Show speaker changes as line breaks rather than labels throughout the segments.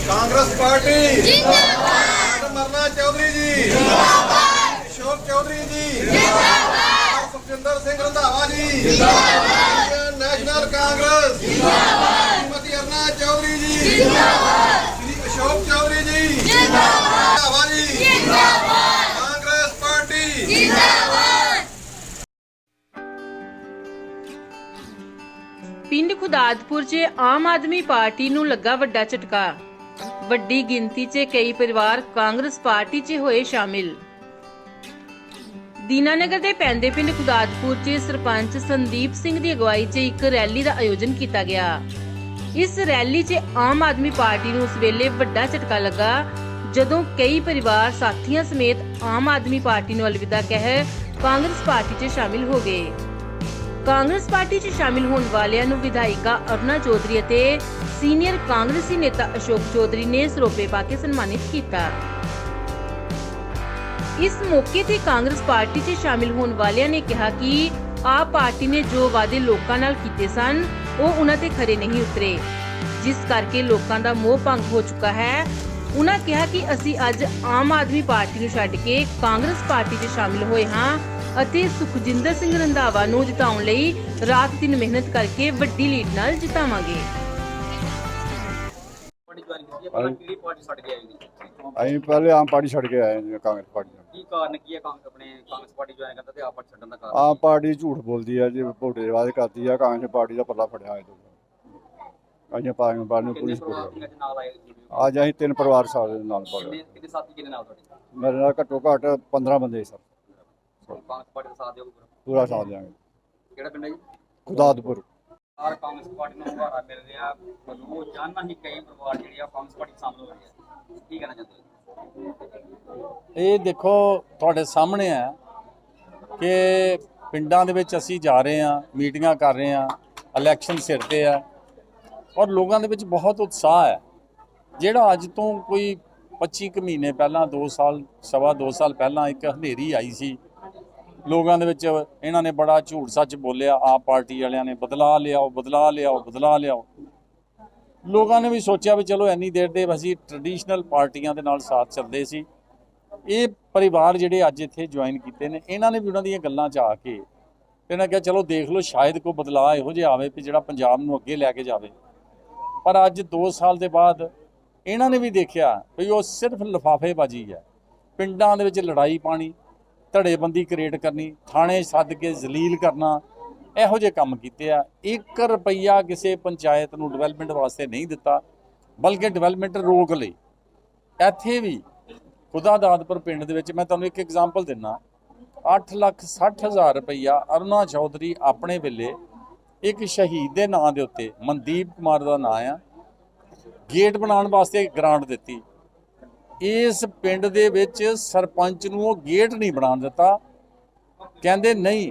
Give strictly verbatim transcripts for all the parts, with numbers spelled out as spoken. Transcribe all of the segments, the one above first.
Congress party madam Aruna Chaudhary ji जिंदाबाद, अशोक चौधरी जी जिंदाबाद, सुखजिंदर सिंह रंधावा जी जिंदाबाद, नेशनल कांग्रेस जिंदाबाद, श्रीमती अरुणा चौधरी जी जिंदाबाद, श्री अशोक चौधरी जी जिंदाबाद, रंधावा जी जिंदाबाद, कांग्रेस पार्टी जिंदाबाद।
ਪਿੰਡ ਖੁਦਾਦਪੁਰ 'ਚ ਆਮ ਆਦਮੀ ਪਾਰਟੀ ਨੂੰ ਲੱਗਾ ਵੱਡਾ ਝਟਕਾ। ਵੱਡੀ ਗਿਣਤੀ 'ਚ ਕਈ ਪਰਿਵਾਰ ਕਾਂਗਰਸ ਪਾਰਟੀ 'ਚ ਹੋਏ ਸ਼ਾਮਿਲ। ਦੀਨਾਨਗਰ ਦੇ ਪੈਂਦੇ ਪਿੰਡ ਖੁਦਾਦਪੁਰ 'ਚ ਸਰਪੰਚ ਸੰਦੀਪ ਸਿੰਘ ਦੀ ਅਗਵਾਈ 'ਚ ਇੱਕ ਰੈਲੀ ਦਾ ਆਯੋਜਨ ਕੀਤਾ ਗਿਆ। ਇਸ ਰੈਲੀ 'ਚ ਆਮ ਆਦਮੀ ਪਾਰਟੀ ਨੂੰ ਉਸ ਵੇਲੇ ਵੱਡਾ ਝਟਕਾ ਲੱਗਾ ਜਦੋਂ ਕਈ ਪਰਿਵਾਰ ਸਾਥੀਆਂ ਸਮੇਤ ਆਮ ਆਦਮੀ ਪਾਰਟੀ ਨੂੰ ਅਲਵਿਦਾ ਕਹਿ ਕਾਂਗਰਸ ਪਾਰਟੀ 'ਚ ਸ਼ਾਮਿਲ ਹੋ ਗਏ। ਕਾਂਗਰਸ ਪਾਰਟੀ 'ਚ ਸ਼ਾਮਿਲ ਹੋਣ ਵਾਲਿਆਂ ਨੂੰ ਵਿਧਾਇਕਾ ਅਰੁਣਾ ਚੌਧਰੀ ਅਤੇ ਸੀਨੀਅਰ ਕਾਂਗਰਸੀ ਨੇਤਾ ਅਸ਼ੋਕ ਚੌਧਰੀ ਨੇ ਸਰੋਪੇ ਪਾ ਕੇ ਸਨਮਾਨਿਤ ਕੀਤਾ। ਇਸ ਮੌਕੇ ਤੇ ਕਾਂਗਰਸ ਪਾਰਟੀ 'ਚ ਸ਼ਾਮਿਲ ਹੋਣ ਵਾਲਿਆਂ ਨੇ ਕਿਹਾ ਕਿ ਆਪ ਪਾਰਟੀ ਨੇ ਜੋ ਵਾਅਦੇ ਲੋਕਾਂ ਨਾਲ ਕੀਤੇ ਸਨ ਉਹ ਉਹਨਾਂ ਤੇ ਖਰੇ ਨਹੀਂ ਉਤਰੇ, ਜਿਸ ਕਰਕੇ ਲੋਕਾਂ ਦਾ ਮੋਹ ਭੰਗ ਹੋ ਚੁੱਕਾ ਹੈ। ਉਹਨਾਂ ਕਿਹਾ ਕਿ ਅਸੀਂ ਅੱਜ ਆਮ ਆਦਮੀ ਪਾਰਟੀ ਨੂੰ ਛੱਡ ਕੇ ਕਾਂਗਰਸ ਪਾਰਟੀ 'ਚ ਸ਼ਾਮਿਲ ਹੋਏ ਹਾਂ ਅਤੇ ਸੁਖਜਿੰਦਰ ਸਿੰਘ ਰੰਧਾਵਾ ਨੂੰ ਜਿਤਾਉਣ ਲਈ ਰਾਤ ਦਿਨ ਮਿਹਨਤ ਕਰਕੇ ਵੱਡੀ ਲੀਡ ਨਾਲ ਜਿਤਾਵਾਂਗੇ।
ਅਸੀਂ ਪਹਿਲੇ ਆਮ ਪਾਰਟੀ ਛੱਡ ਕੇ ਆਏ ਹਾਂ ਕਾਂਗਰਸ ਪਾਰਟੀ ਨੂੰ।
ਕੀ ਕਾਰਨ ਕੀ ਹੈ ਕਾਂਗਰਸ ਆਪਣੇ ਕਾਂਗਰਸ ਪਾਰਟੀ ਜੁਆਇਨ ਕਰਦਾ ਤੇ ਆਪ ਪਾਰਟੀ ਛੱਡਣ ਦਾ ਕਾਰਨ?
ਆਮ ਪਾਰਟੀ ਝੂਠ ਬੋਲਦੀ ਹੈ ਜੀ, ਵੋਟੇ ਦੇ ਵਾਅਦੇ ਕਰਦੀ ਆ। ਕਾਂਗਰਸ ਪਾਰਟੀ ਦਾ ਪੱਲਾ ਫੜਿਆ ਹੋਇਆ ਅਸੀਂ ਪਾਰਟੀ ਪਾਰਟੀ ਨੂੰ ਪੂਰੀ ਸਪੋਰਟ
ਕਿੰਨੇ ਨਾਲ ਆਏ?
ਅੱਜ ਅਸੀਂ ਤਿੰਨ ਪਰਿਵਾਰ ਸਾਡੇ ਨਾਲ ਪੜ੍ਹੇ।
ਕਿੰਨੇ ਕਿੰਨੇ ਸਾਥੀ ਕਿੰਨੇ ਨਾਲ ਤੁਹਾਡੇ?
ਮੇਰੇ ਨਾਲ ਘੱਟੋ ਘੱਟ ਪੰਦਰਾਂ ਬੰਦੇ ਸਰ।
ਕਾਂਗਰਸ ਪਾਰਟੀ ਦਾ ਸਾਥ ਦਿਓਗੇ ਪੂਰਾ?
ਪੂਰਾ ਸਾਥ ਦਿਆਂਗੇ।
ਕਿਹੜਾ ਪਿੰਡ ਹੈ ਜੀ?
ਖੁਦਾਦਪੁਰ।
ਸਾਰ ਕਾਂਗਰਸ ਪਾਰਟੀ ਨੂੰ ਹਵਾਰਾ ਮਿਲ ਰਿਹਾ, ਰੋਜ਼ਾਨਾ ਹੀ ਕਈ ਪਰਿਵਾਰ ਜਿਹੜੇ ਆ ਕਾਂਗਰਸ ਪਾਰਟੀ ਸ਼ਾਮਲ ਹੋ ਰਹੇ ਆ, ਕੀ ਕਹਿਣਾ ਚਾਹੁੰਦੇ ਹੋ?
ਇਹ ਦੇਖੋ ਤੁਹਾਡੇ ਸਾਹਮਣੇ ਹੈ ਕਿ ਪਿੰਡਾਂ ਦੇ ਵਿੱਚ ਅਸੀਂ ਜਾ ਰਹੇ ਹਾਂ, ਮੀਟਿੰਗਾਂ ਕਰ ਰਹੇ ਹਾਂ, ਇਲੈਕਸ਼ਨ ਸਿਰ ਤੇ ਆ ਔਰ ਲੋਕਾਂ ਦੇ ਵਿੱਚ ਬਹੁਤ ਉਤਸ਼ਾਹ ਹੈ। ਜਿਹੜਾ ਅੱਜ ਤੋਂ ਕੋਈ ਪੱਚੀ ਕੁ ਮਹੀਨੇ ਪਹਿਲਾਂ, ਦੋ ਸਾਲ ਸਵਾ ਦੋ ਸਾਲ ਪਹਿਲਾਂ ਇੱਕ ਹਨੇਰੀ ਆਈ ਸੀ ਲੋਕਾਂ ਦੇ ਵਿੱਚ, ਇਹਨਾਂ ਨੇ ਬੜਾ ਝੂਠ ਸੱਚ ਬੋਲਿਆ, ਆਪ ਪਾਰਟੀ ਵਾਲਿਆਂ ਨੇ ਬਦਲਾ ਲਿਆਓ ਬਦਲਾ ਲਿਆਓ ਬਦਲਾ ਲਿਆਓ। ਲੋਕਾਂ ਨੇ ਵੀ ਸੋਚਿਆ ਵੀ ਚਲੋ ਇੰਨੀ ਦੇਰ ਦੇ ਅਸੀਂ ਟ੍ਰੈਡੀਸ਼ਨਲ ਪਾਰਟੀਆਂ ਦੇ ਨਾਲ ਸਾਥ ਚੱਲਦੇ ਸੀ। ਇਹ ਪਰਿਵਾਰ ਜਿਹੜੇ ਅੱਜ ਇੱਥੇ ਜੁਆਇਨ ਕੀਤੇ ਨੇ, ਇਹਨਾਂ ਨੇ ਵੀ ਉਹਨਾਂ ਦੀਆਂ ਗੱਲਾਂ 'ਚ ਆ ਕੇ ਇਹਨਾਂ ਕਿਹਾ ਚਲੋ ਦੇਖ ਲਓ ਸ਼ਾਇਦ ਕੋਈ ਬਦਲਾਅ ਇਹੋ ਜਿਹਾ ਆਵੇ ਵੀ ਜਿਹੜਾ ਪੰਜਾਬ ਨੂੰ ਅੱਗੇ ਲੈ ਕੇ ਜਾਵੇ। ਪਰ ਅੱਜ ਦੋ ਸਾਲ ਦੇ ਬਾਅਦ ਇਹਨਾਂ ਨੇ ਵੀ ਦੇਖਿਆ ਵੀ ਉਹ ਸਿਰਫ ਲਿਫਾਫੇਬਾਜ਼ੀ ਹੈ। ਪਿੰਡਾਂ ਦੇ ਵਿੱਚ ਲੜਾਈ ਪਾਣੀ, ਧੜੇਬੰਦੀ ਕ੍ਰੀਏਟ ਕਰਨੀ, ਥਾਣੇ ਸੱਦ ਕੇ ਜ਼ਲੀਲ ਕਰਨਾ, ਇਹੋ ਜਿਹੇ ਕੰਮ ਕੀਤੇ ਆ। ਇੱਕ ਰੁਪਈਆ ਕਿਸੇ ਪੰਚਾਇਤ ਨੂੰ ਡਿਵੈਲਪਮੈਂਟ ਵਾਸਤੇ ਨਹੀਂ ਦਿੱਤਾ, ਬਲਕਿ ਡਿਵੈਲਪਮੈਂਟ ਰੋਕ ਲਈ। ਇੱਥੇ ਵੀ ਖੁਦਾਦਪੁਰ ਪਿੰਡ ਦੇ ਵਿੱਚ ਮੈਂ ਤੁਹਾਨੂੰ ਇੱਕ ਐਗਜ਼ਾਮਪਲ ਦਿੰਦਾ, ਅੱਠ ਲੱਖ ਸੱਠ ਹਜ਼ਾਰ ਰੁਪਈਆ ਅਰੁਣਾ ਚੌਧਰੀ ਆਪਣੇ ਵੇਲੇ ਇੱਕ ਸ਼ਹੀਦ ਦੇ ਨਾਂ ਦੇ ਉੱਤੇ, ਮਨਦੀਪ ਕੁਮਾਰ ਦਾ ਨਾਂ ਆ, ਗੇਟ ਬਣਾਉਣ ਵਾਸਤੇ ਗ੍ਰਾਂਟ ਦਿੱਤੀ। ਇਸ ਪਿੰਡ ਦੇ ਵਿੱਚ ਸਰਪੰਚ ਨੂੰ ਉਹ ਗੇਟ ਨਹੀਂ ਬਣਾਉਣ ਦਿੱਤਾ। ਕਹਿੰਦੇ ਨਹੀਂ,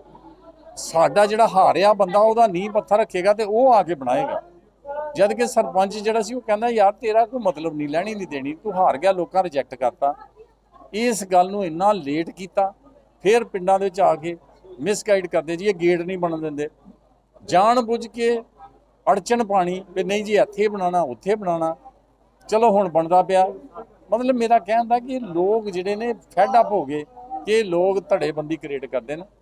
ਸਾਡਾ ਜਿਹੜਾ ਹਾਰਿਆ ਬੰਦਾ ਉਹਦਾ ਨੀਂਹ ਪੱਥਰ ਰੱਖੇਗਾ ਤੇ ਉਹ ਆ ਕੇ ਬਣਾਏਗਾ। ਜਦ ਕਿ ਸਰਪੰਚ ਜਿਹੜਾ ਸੀ ਉਹ ਕਹਿੰਦਾ ਯਾਰ ਤੇਰਾ ਕੋਈ ਮਤਲਬ ਨਹੀਂ, ਲੈਣੀ ਨਹੀਂ ਦੇਣੀ, ਤੂੰ ਹਾਰ ਗਿਆ, ਲੋਕਾਂ ਰਿਜੈਕਟ ਕਰਤਾ। ਇਸ ਗੱਲ ਨੂੰ ਇੰਨਾ ਲੇਟ ਕੀਤਾ, ਫਿਰ ਪਿੰਡਾਂ ਦੇ ਵਿੱਚ ਆ ਕੇ ਮਿਸਗਾਈਡ ਕਰਦੇ ਜੀ ਇਹ ਗੇਟ ਨਹੀਂ ਬਣਨ ਦਿੰਦੇ, ਜਾਣ ਬੁੱਝ ਕੇ ਅੜਚਨ ਪਾਣੀ ਵੀ ਨਹੀਂ ਜੀ ਇੱਥੇ ਬਣਾਉਣਾ ਉੱਥੇ ਬਣਾਉਣਾ। ਚਲੋ ਹੁਣ ਬਣਦਾ ਪਿਆ। ਮਤਲਬ ਮੇਰਾ ਕਹਿਣ ਦਾ ਕਿ ਲੋਕ ਜਿਹੜੇ ਨੇ ਫੈਡ ਅਪ ਹੋ ਗਏ ਕਿ ਲੋਕ ਧੜੇਬੰਦੀ ਕ੍ਰੀਏਟ ਕਰਦੇ ਨੇ।